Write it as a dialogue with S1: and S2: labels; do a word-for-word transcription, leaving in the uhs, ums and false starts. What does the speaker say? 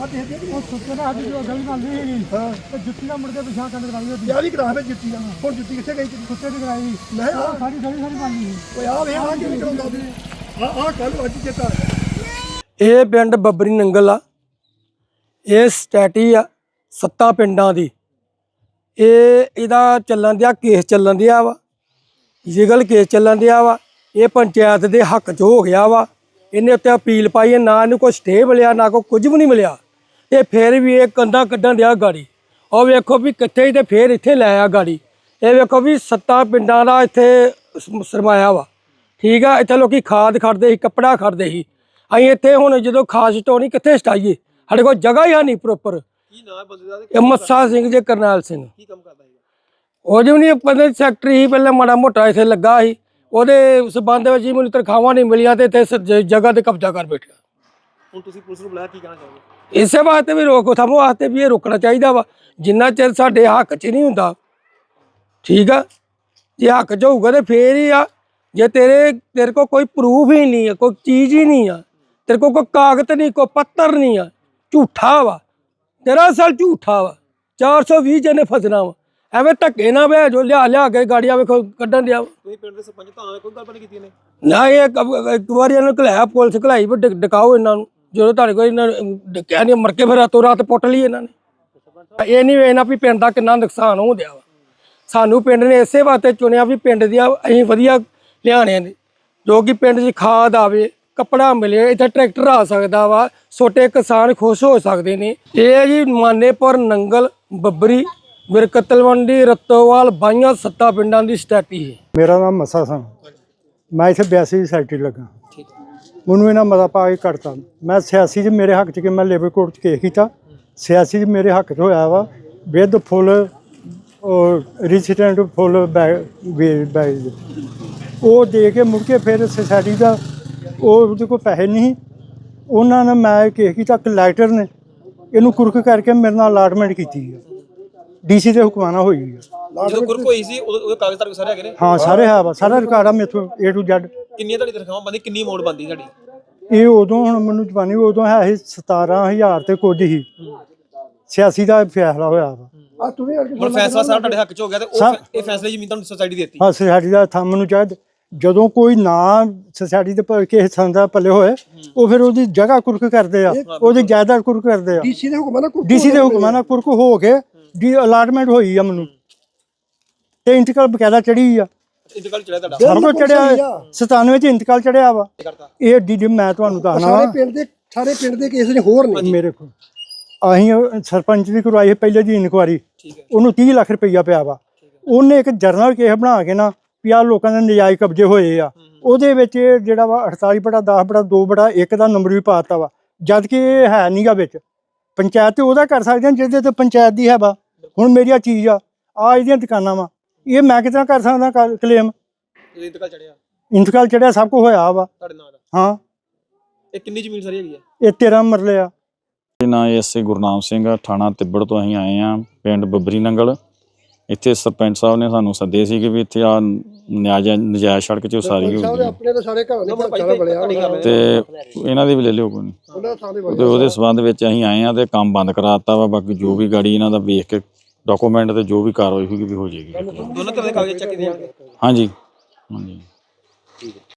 S1: ਆਪਾਂ ਦੇਖਦੇ
S2: ਉਹ ਸੁੱਤੇ ਨਾ ਅੱਜ ਜੋ ਗਲੀ ਨਾਲ ਨਹੀਂ ਹੈਗੀ
S1: ਹਾਂ
S2: ਤੇ ਜੁੱਤੀ ਨਾਲ ਮੁੜ ਕੇ ਪਿਛਾਂ ਕੰਨ ਕਰਾਈ ਉਹਦੀ
S1: ਯਾਰ ਹੀ ਕਰਾ ਫੇ ਜੁੱਤੀ ਦਾ ਹੁਣ ਜੁੱਤੀ ਕਿੱਥੇ ਗਈ ਤੇਰੀ
S2: ਕੁੱਤੇ ਦੀ ਕਰਾਈ
S1: ਮੈਂ ਆ
S2: ਸਾਡੀ ਗਲੀ ਸਾਰੀ ਬਣਨੀ
S1: ਓਏ ਆ ਵੇ ਆ ਕਿਵੇਂ ਕਰਾਉਂਦਾ ਤੂੰ ਆ ਆ ਕੱਲ ਅੱਜ ਚੇਤਾ
S3: ਇਹ ਪਿੰਡ ਬੱਬਰੀ ਨੰਗਲ ਆ। ਇਹ ਸਟੈਟੀ ਆ ਸੱਤਾ ਪਿੰਡਾਂ ਦੀ। ਇਹ ਇਹਦਾ ਚੱਲਣ ਦਿਆ ਕੇਸ ਚੱਲਣ ਦਿਆ ਵਾ, ਲੀਗਲ ਕੇਸ ਚੱਲਣ ਦਿਆ ਵਾ। ਇਹ ਪੰਚਾਇਤ ਦੇ ਹੱਕ 'ਚ ਹੋ ਗਿਆ ਵਾ। ਇਹਨੇ ਉੱਤੇ ਅਪੀਲ ਪਾਈ ਹੈ, ਨਾ ਇਹਨੂੰ ਕੋਈ ਸਟੇ ਮਿਲਿਆ ਨਾ ਕੋਈ ਕੁਝ ਵੀ ਨਹੀਂ ਮਿਲਿਆ। ਤੇ ਫਿਰ ਵੀ ਇਹ ਕੰਧਾਂ ਕੱਢਣ ਦਿਆ ਗਾੜੀ। ਉਹ ਵੇਖੋ ਵੀ ਕਿੱਥੇ ਤੇ ਫਿਰ ਇੱਥੇ ਲੈ ਆ ਗਾੜੀ। ਇਹ ਵੇਖੋ ਵੀ ਸੱਤਾ ਪਿੰਡਾਂ ਦਾ ਇੱਥੇ ਸਰਮਾਇਆ ਵਾ। ਠੀਕ ਆ, ਇੱਥੇ ਲੋਕੀ ਖਾਦ ਖੜਦੇ ਸੀ, ਕੱਪੜਾ ਖੜਦੇ ਸੀ। ਅਸੀਂ ਇੱਥੇ ਹੁਣ ਜਦੋਂ ਖਾਦ ਸਟਾਉਣੀ ਕਿੱਥੇ ਸਟਾਈਏ, ਸਾਡੇ ਕੋਲ ਜਗ੍ਹਾ ਹੀ ਹੈ ਨਹੀਂ ਪ੍ਰੋਪਰ।
S4: ਕੀ ਨਾਮ ਬੰਦੇ ਦਾ
S3: ਇਹ ਮੱਸਾ ਸਿੰਘ ਜੇ ਕਰਨੈਲ ਸਿੰਘ।
S4: ਕੀ ਕੰਮ ਕਰਦਾ ਹੈਗਾ?
S3: ਉਹ ਜਿਵੇਂ ਨਹੀਂ ਪੰਦੇ ਸੈਕਟਰੀ ਸੀ, ਪਹਿਲਾਂ ਮਾੜਾ ਮੋਟਾ ਇੱਥੇ ਲੱਗਾ ਸੀ। ਉਹਦੇ ਸਬੰਧ ਵਿੱਚ ਹੀ ਮੈਨੂੰ ਤਨਖਾਹਾਂ ਨਹੀਂ ਮਿਲੀਆਂ ਤੇ ਇੱਥੇ ਜਗ੍ਹਾ ਤੇ ਕਬਜ਼ਾ ਕਰ ਬੈਠਿਆ।
S4: ਹੁਣ ਤੁਸੀਂ ਪੁਲਿਸ ਨੂੰ ਬੁਲਾਇਆ, ਕੀ ਕਹਿਣਾ ਚਾਹੋਗੇ?
S3: ਇਸੇ ਵਾਸਤੇ ਵੀ ਰੋਕ ਥਮ ਵਾਸਤੇ ਵੀ ਇਹ ਰੁਕਣਾ ਚਾਹੀਦਾ ਵਾ, ਜਿੰਨਾ ਚਿਰ ਸਾਡੇ ਹੱਕ 'ਚ ਨਹੀਂ ਹੁੰਦਾ। ਠੀਕ ਆ, ਜੇ ਹੱਕ 'ਚ ਹੋਊਗਾ ਤੇ ਫੇਰ ਹੀ ਆ। ਜੇ ਤੇਰੇ ਤੇਰੇ ਕੋਲ ਕੋਈ ਪ੍ਰੂਫ ਹੀ ਨਹੀਂ ਆ, ਕੋਈ ਚੀਜ਼ ਹੀ ਨਹੀਂ ਆ, ਤੇਰੇ ਕੋਲ ਕੋਈ ਕਾਗਜ਼ ਨਹੀਂ, ਕੋਈ ਪੱਤਰ ਨਹੀਂ ਆ, ਝੂਠਾ ਵਾ ਤੇਰਾ, ਅਸਲ ਝੂਠਾ ਵਾ। ਚਾਰ ਸੌ ਵੀਹ ਜਣੇ ਫਸਣਾ ਵਾ, ਐਵੇਂ ਧੱਕੇ ਨਾ ਵੇ ਜੋ ਲਿਆ ਲਿਆ ਕੇ ਗਾੜੀਆਂ ਵੇਖੋ ਕੱਢਣ ਦਿਆ।
S4: ਤੁਸੀਂ ਪਿੰਡ ਦੇ ਸਰਪੰਚ ਤਾਂ ਕੋਈ ਗੱਲ ਨਹੀਂ ਕੀਤੀ ਇਹਨੇ?
S3: ਨਾ ਇਹ ਇੱਕ ਵਾਰੀ ਇਹਨਾਂ ਨੂੰ ਘਲਾਇਆ, ਪੁਲਿਸ ਘਲਾਈ ਵੀ ਡਕਾਓ ਇਹਨਾਂ ਨੂੰ। ਜਦੋਂ ਤੁਹਾਡੇ ਕੋਲ ਇਹਨਾਂ ਨੂੰ ਡਕਿਆ ਨਹੀਂ, ਮਰ ਕੇ ਫਿਰ ਰਾਤੋਂ ਰਾਤ ਪੁੱਟ ਲਈ ਇਹਨਾਂ ਨੇ। ਇਹ ਨਹੀਂ ਵੇਖਣਾ ਵੀ ਪਿੰਡ ਦਾ ਕਿੰਨਾ ਨੁਕਸਾਨ ਹੋ ਗਿਆ ਵਾ। ਸਾਨੂੰ ਪਿੰਡ ਨੇ ਇਸੇ ਵਾਸਤੇ ਚੁਣਿਆ ਵੀ ਪਿੰਡ ਦੀਆਂ ਅਸੀਂ ਵਧੀਆ ਲਿਆਣੇ ਨੇ, ਜੋ ਕਿ ਪਿੰਡ 'ਚ ਖਾਦ ਆਵੇ, ਕੱਪੜਾ ਮਿਲੇ, ਇੱਥੇ ਟਰੈਕਟਰ ਆ ਸਕਦਾ ਵਾ, ਛੋਟੇ ਕਿਸਾਨ ਖੁਸ਼ ਹੋ ਸਕਦੇ ਨੇ। ਇਹ ਜੀ ਮਾਨੇਪੁਰ, ਨੰਗਲ, ਬੱਬਰੀ, ਬਿਰਕਤਲਵੰਡੀ, ਰਤੋਵਾਲ, ਬਾਈਆਂ ਸੱਤਾ ਪਿੰਡਾਂ ਦੀ ਸਟੈਟੀ ਹੈ।
S2: ਮੇਰਾ ਨਾਮ ਮੱਸਾ ਸਿੰਘ, ਮੈਂ ਇੱਥੇ ਬਿਆਸੀ ਦੀ ਸੈਕਟਰੀ ਲੱਗਾ। ਮੈਨੂੰ ਇਹਨਾਂ ਮਤਾ ਪਾ ਕੇ ਕੱਢਤਾ। ਮੈਂ ਸਿਆਸੀ 'ਚ ਮੇਰੇ ਹੱਕ 'ਚ ਕਿ ਮੈਂ ਲੇਬਰ ਕੋਰਟ 'ਚ ਕੇਸ ਕੀਤਾ। ਸਿਆਸੀ 'ਚ ਮੇਰੇ ਹੱਕ 'ਚ ਹੋਇਆ ਵਾ ਵਿਦ ਫੁੱਲ ਰਿਸਿਡੈਂਟ ਫੁੱਲ ਬੈਗ ਉਹ ਦੇ ਕੇ ਮੁੜ ਕੇ ਫਿਰ ਸੁਸਾਇਟੀ ਦਾ ਉਹ ਉਹਦੇ ਕੋਲ ਪੈਸੇ ਨਹੀਂ, ਉਹਨਾਂ ਨੇ ਮੈਂ ਕੇਸ ਕੀਤਾ। ਕਲੈਕਟਰ ਨੇ ਇਹਨੂੰ ਕੁਰਕ ਕਰਕੇ ਮੇਰੇ ਨਾਲ ਅਲਾਟਮੈਂਟ ਕੀਤੀ ਹੈ, ਡੀ ਸੀ ਦੇ ਹੁਕਮਾਨਾ ਹੋਈ ਹੈ।
S4: ਜਦੋਂ ਗੁਰਕ ਹੋਈ ਸੀ ਉਦੋਂ ਉਹਦੇ ਕਾਗਜ਼ ਤੁਹਾਡੇ ਸਾਰੇ ਹੈਗੇ ਨੇ?
S2: ਹਾਂ ਸਾਰੇ ਹੈ ਵਾ, ਸਾਰਾ ਰਿਕਾਰਡ ਆ ਮੇਥੋਂ ਏ ਟੂ ਜ਼ੈਡ।
S4: ਕਿੰਨੀਆਂ ਤੁਹਾਡੀ ਤਨਖਾਹਾਂ ਬੰਦੀ, ਕਿੰਨੀ ਅਮਾਉਂਟ ਬੰਦੀ ਤੁਹਾਡੀ?
S2: ਇਹ ਉਦੋਂ ਹੁਣ ਮੈਨੂੰ ਜਵਾਨੀ ਉਦੋਂ ਹੈ ਸੀ ਸਤਾਰਾਂ ਹਜ਼ਾਰ ਤੇ ਕੁਝ ਹੀ। ਸਿਆਸੀ ਦਾ ਫੈਸਲਾ ਹੋਇਆ ਵਾ।
S1: ਆ ਤੂੰ ਵੀ
S4: ਹੁਣ ਫੈਸਲਾ ਸਾਰਾ ਤੁਹਾਡੇ ਹੱਕ 'ਚ ਹੋ ਗਿਆ ਤੇ ਉਹ ਇਹ ਫੈਸਲੇ ਜ਼ਮੀਨ ਤੁਹਾਨੂੰ ਸੋਸਾਇਟੀ ਦਿੱਤੀ?
S2: ਹਾਂ, ਸੁਸਾਇਟੀ ਦਾ ਥੰਮ ਨੂੰ ਚਾਹੀਦਾ। ਜਦੋਂ ਕੋਈ ਨਾ ਸੁਸਾਇਟੀ ਦੇ ਕਿਸੇ ਥਾਂ ਦਾ ਪੱਲੇ ਹੋਏ, ਉਹ ਫਿਰ ਉਹਦੀ ਜਗ੍ਹਾ ਕੁਰਕ ਕਰਦੇ ਆ, ਉਹਦੀ ਜਾਇਦਾਦ ਕੁਰਕ ਕਰਦੇ ਆ।
S1: ਡੀਸੀ ਦੇ ਹੁਕਮਾਂ ਨਾਲ
S2: ਡੀਸੀ ਦੇ ਹੁਕਮਾਂ ਨਾਲ ਕੁਰਕ ਹੋ ਕੇ ਦੀ ਅਲਾਟਮੈਂਟ ਹੋਈ ਆ ਮੈਨੂੰ, ਤੇ ਇੰਤਕਾਲ ਬਕਾਇਦਾ ਚੜੀ ਆ।
S4: ਇੰਤਕਾਲ ਚੜਿਆ ਤੁਹਾਡਾ?
S2: ਸਭ ਕੁਝ ਚੜਿਆ, ਸਤਾਨਵੇਂ ਚ ਇੰਤਕਾਲ ਚੜਿਆ ਵਾ। ਇਹ ਡੀ ਡੀ ਮੈਂ ਤੁਹਾਨੂੰ ਦੱਸਣਾ
S1: ਸਾਰੇ ਪਿੰਡ ਦੇ ਸਾਰੇ ਪਿੰਡ ਦੇ ਕੇਸ ਨੇ ਹੋਰ ਨੇ
S2: ਮੇਰੇ ਕੋਲ। ਅਸੀਂ ਸਰਪੰਚ ਦੀ ਕਰਵਾਈ ਪਹਿਲੇ ਦੀ ਇਨਕੁਆਰੀ, ਉਹਨੂੰ ਤੀਹ ਲੱਖ ਰੁਪਈਆ ਪਿਆ ਵਾ। ਉਹਨੇ ਇੱਕ ਜਰਨਲ ਕੇਸ ਬਣਾ ਕੇ ਨਾ ਵੀ ਆਹ ਲੋਕਾਂ ਦੇ ਨਜਾਇਜ਼ ਕਬਜ਼ੇ ਹੋਏ ਆ, ਉਹਦੇ ਵਿੱਚ ਜਿਹੜਾ ਵਾ ਅਠਤਾਲੀ ਬਟਾ ਦਸ ਬਟਾ ਦੋ ਬਟਾ ਇੱਕ ਦਾ ਨੰਬਰ ਵੀ ਪਾਤਾ ਵਾ, ਜਦ ਕਿ ਇਹ ਹੈ ਨੀਗਾ ਵਿੱਚ। ਪੰਚਾਇਤ ਤੇ ਉਹਦਾ ਕਰ ਸਕਦੇ ਜਿਹਦੇ ਤੇ ਪੰਚਾਇਤ ਦੀ ਹੈ ਵਾ। ਹੁਣ ਮੇਰੀ ਆ ਚੀਜ਼ ਆ, ਆ ਇਹਦੀਆਂ ਦੁਕਾਨਾਂ ਵਾ, ਇਹ ਮੈਂ ਕਿਤਨਾ ਕਰ ਸਕਦਾ ਕਲੇਮ?
S4: ਇੰਤਕਾਲ ਚੜਿਆ?
S2: ਇੰਤਕਾਲ ਚੜਿਆ, ਸਭ ਕੁਝ ਹੋਇਆ ਵਾ।
S4: ਤੁਹਾਡੇ ਨਾਂ ਦਾ?
S2: ਹਾਂ।
S4: ਇਹ ਕਿੰਨੀ ਜ਼ਮੀਨ ਸਾਰੀ ਹੈਗੀ ਹੈ?
S2: ਇਹ ਤੇਰਾਂ ਮਰਲੇ ਆ।
S5: ਨਾਂ ਐਸ ਏ ਗੁਰਨਾਮ ਸਿੰਘ ਆ, ਥਾਣਾ ਤਿੱਬੜ ਤੋਂ ਅਸੀਂ ਆਏ ਆ, ਪਿੰਡ ਬੱਬਰੀ ਨੰਗਲ। ਇੱਥੇ ਸਰਪੰਚ ਸਾਹਿਬ ਨੇ ਸਾਨੂੰ ਸੱਦੇ ਸੀ ਕਿ ਵੀ ਇੱਥੇ ਆ ਨਜਾਇਜ਼ ਨਜਾਇਜ਼ ਸੜਕ 'ਚ ਉਸਾਰੀ ਹੋ ਗਈ
S1: ਆਪਣੇ ਤਾਂ ਸਾਰੇ ਘਰਾਂ ਦੇ ਪਰਚਾ ਬਣਿਆ
S5: ਤੇ ਇਹਨਾਂ ਦੀ ਵੀ ਲੈ ਲਿਓ ਕੋਈ ਨਹੀਂ। ਤੇ ਉਹਦੇ ਸਬੰਧ ਵਿੱਚ ਅਸੀਂ ਆਏ ਆ ਤੇ ਕੰਮ ਬੰਦ ਕਰਾ ਦਿੱਤਾ ਵਾ। ਬਾਕੀ ਜੋ ਵੀ ਗਾੜੀ ਇਹਨਾਂ ਦਾ ਵੇਖ ਕੇ ਡਾਕੂਮੈਂਟ ਤੇ ਜੋ ਵੀ ਕਾਰਵਾਈ ਹੋਊਗੀ ਵੀ ਹੋ ਜਾਏਗੀ।
S4: ਦੋਨਾਂ ਤਰ੍ਹਾਂ ਦੇ ਕਾਗਜ਼ ਚੱਕੇ ਜਾਣਗੇ?
S5: ਹਾਂਜੀ ਹਾਂਜੀ।